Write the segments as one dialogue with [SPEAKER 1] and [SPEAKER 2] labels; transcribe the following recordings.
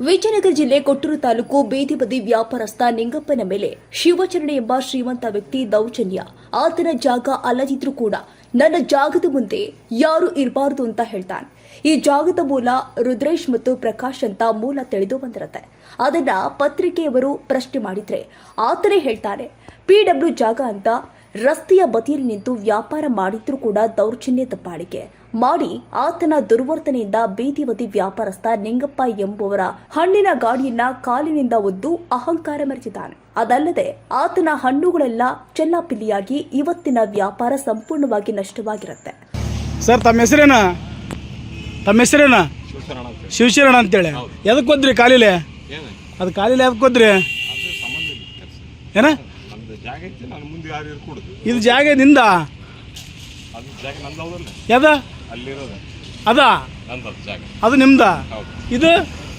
[SPEAKER 1] ವಿಜಯನಗರ ಜಿಲ್ಲೆ ಕೊಟ್ಟೂರು ತಾಲೂಕು ಬೀದಿ ಬದಿ ವ್ಯಾಪಾರಸ್ಥ ನಿಂಗಪ್ಪನ ಮೇಲೆ ಶಿವಚರಣ ಎಂಬ ಶ್ರೀಮಂತ ವ್ಯಕ್ತಿ ದೌರ್ಜನ್ಯ. ಆತನ ಜಾಗ ಅಲ್ಲದಿದ್ರೂ ಕೂಡ ನನ್ನ ಜಾಗದ ಮುಂದೆ ಯಾರು ಇರಬಾರದು ಅಂತ ಹೇಳ್ತಾನೆ. ಈ ಜಾಗದ ಮೂಲ ರುದ್ರೇಶ್ ಮತ್ತು ಪ್ರಕಾಶ್ ಅಂತ ಮೂಲ ತಿಳಿದು ಬಂದಿರುತ್ತೆ. ಅದನ್ನ ಪತ್ರಿಕೆಯವರು ಪ್ರಶ್ನೆ ಮಾಡಿದ್ರೆ ಆತನೇ ಹೇಳ್ತಾನೆ PW ಜಾಗ ಅಂತ ರಸ್ತೆಯ ಬದಿಯಲ್ಲಿ ನಿಂತು ವ್ಯಾಪಾರ ಮಾಡಿದ್ರೂ ಕೂಡ ದೌರ್ಜನ್ಯ ದಬ್ಬಾಳಿಕೆ ಮಾಡಿ ಆತನ ದುರ್ವರ್ತನೆಯಿಂದ ಬೀದಿ ಬದಿ ವ್ಯಾಪಾರಸ್ಥ ನಿಂಗಪ್ಪ ಎಂಬುವರ ಹಣ್ಣಿನ ಗಾಡಿಯನ್ನ ಕಾಲಿನಿಂದ ಒದ್ದು ಅಹಂಕಾರ ಮೆರೆದಿದ್ದಾನೆ. ಅದಲ್ಲದೆ ಆತನ ಹಣ್ಣುಗಳೆಲ್ಲ ಚೆಲ್ಲಾಪಿಲ್ಲಿಯಾಗಿ ಇವತ್ತಿನ ವ್ಯಾಪಾರ ಸಂಪೂರ್ಣವಾಗಿ ನಷ್ಟವಾಗಿರುತ್ತೆ.
[SPEAKER 2] ಸರ್ ತಮ್ಮ ಹೆಸರೇನ? ಶಿವಶರಣ ಅಂತೇಳಿ. ಎದಕ್ಕೆ ಹೋದ್ರಿ ಕಾಲಿಲೆ? ಅದು ಕಾಲಿಲೆ ಎದಕ್ಕೆ ಹೋದ್ರಿ? ಏನ ಇದು ಜಾಗ ನಿಂದ? ಯದ ಅದ ಅದು ನಿಮ್ದ? ಇದು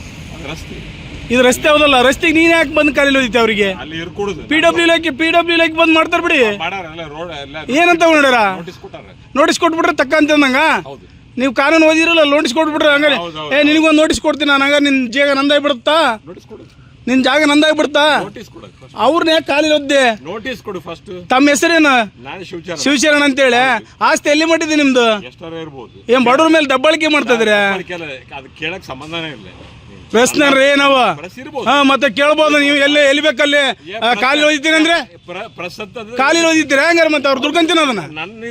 [SPEAKER 2] ರಸ್ತೆ ಹೌದಲ್ಲ? ರಸ್ತೆಗೆ ನೀನ್ ಯಾಕೆ ಬಂದು ಕಾಲಿಲ್ ಹೋದಿತ್ತೆ? ಅವ್ರಿಗೆ PW ಇಲಾಖೆ ಬಂದ್ ಮಾಡ್ತಾರ ಬಿಡಿ. ಏನಂತ ನೋಡ್ಯಾರ? ನೋಟಿಸ್ ಕೊಟ್ಬಿಟ್ರೆ ತಕ್ಕ ಅಂತ ನಂಗ. ನೀವು ಕಾನೂನು ಓದಿರಲ್ಲ, ನೋಟಿಸ್ ಕೊಟ್ಬಿಟ್ರೆ ಹಂಗಾರೆ ನಿನಗೊಂದು ನೋಟಿಸ್ ಕೊಡ್ತೀನಿ ನಾನು. ಹಂಗ ನಿನ್ ಜಾಗ ನಂದಾಗಿ ಬಿಡುತ್ತಾ? ನಿನ್ ಜಾಗ ನಂದಾಗಿ ಬಿಡುತ್ತಾ? ಅವ್ರನ್ನ ಯಾಕೆ ಕಾಲಿಲ್ ಒದ್ದೆ? ನೋಟಿಸ್ ಕೊಡು ಫಸ್ಟ್. ತಮ್ಮ ಹೆಸರೇನು? ಶಿವಶರಣ ಅಂತೇಳಿ. ಆಸ್ತಿ ಎಲ್ಲಿ ಮಾಡಿದೆ ನಿಮ್ದು? ಏನ್ ಬಡವ್ರ ಮೇಲೆ ದಬ್ಬಾಳಿಕೆ ಮಾಡ್ತಾ ಇದ್ರಿ? ಪ್ರಶ್ನೆ ಏನವ? ಮತ್ತೆ ಕೇಳ್ಬೋದು ನೀವು. ಎಲ್ಲಿ ಬೇಕಲ್ಲಿ ಕಾಲಿಲ್ ಓದಿತೀನಿ ಅಂದ್ರೆ ಕಾಲಿಲ್ ಓದಿದ್ದೀರಾ? ಹೆಂಗಾರ ಮತ್ತೆ ಅವ್ರು ದುಡ್ಕೊಂತೀನಿ ಅದನ್ನ.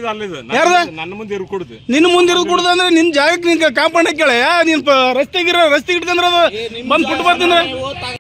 [SPEAKER 2] ನಿನ್ನ ಮುಂದೆ ಇರೋದು ಕೊಡುದು ಅಂದ್ರೆ ನಿನ್ ಜಾಗಕ್ಕೆ ನಿನ್ ಕಾಂಪೌಂಡ್ ಕೇಳ. ನೀನ್ ರಸ್ತೆಗೆ ಇಡ್ತಂದ್ರೆ ಅದು ಬಂದ್ ಕೊಟ್ಟು ಬರ್ತೀನಿ.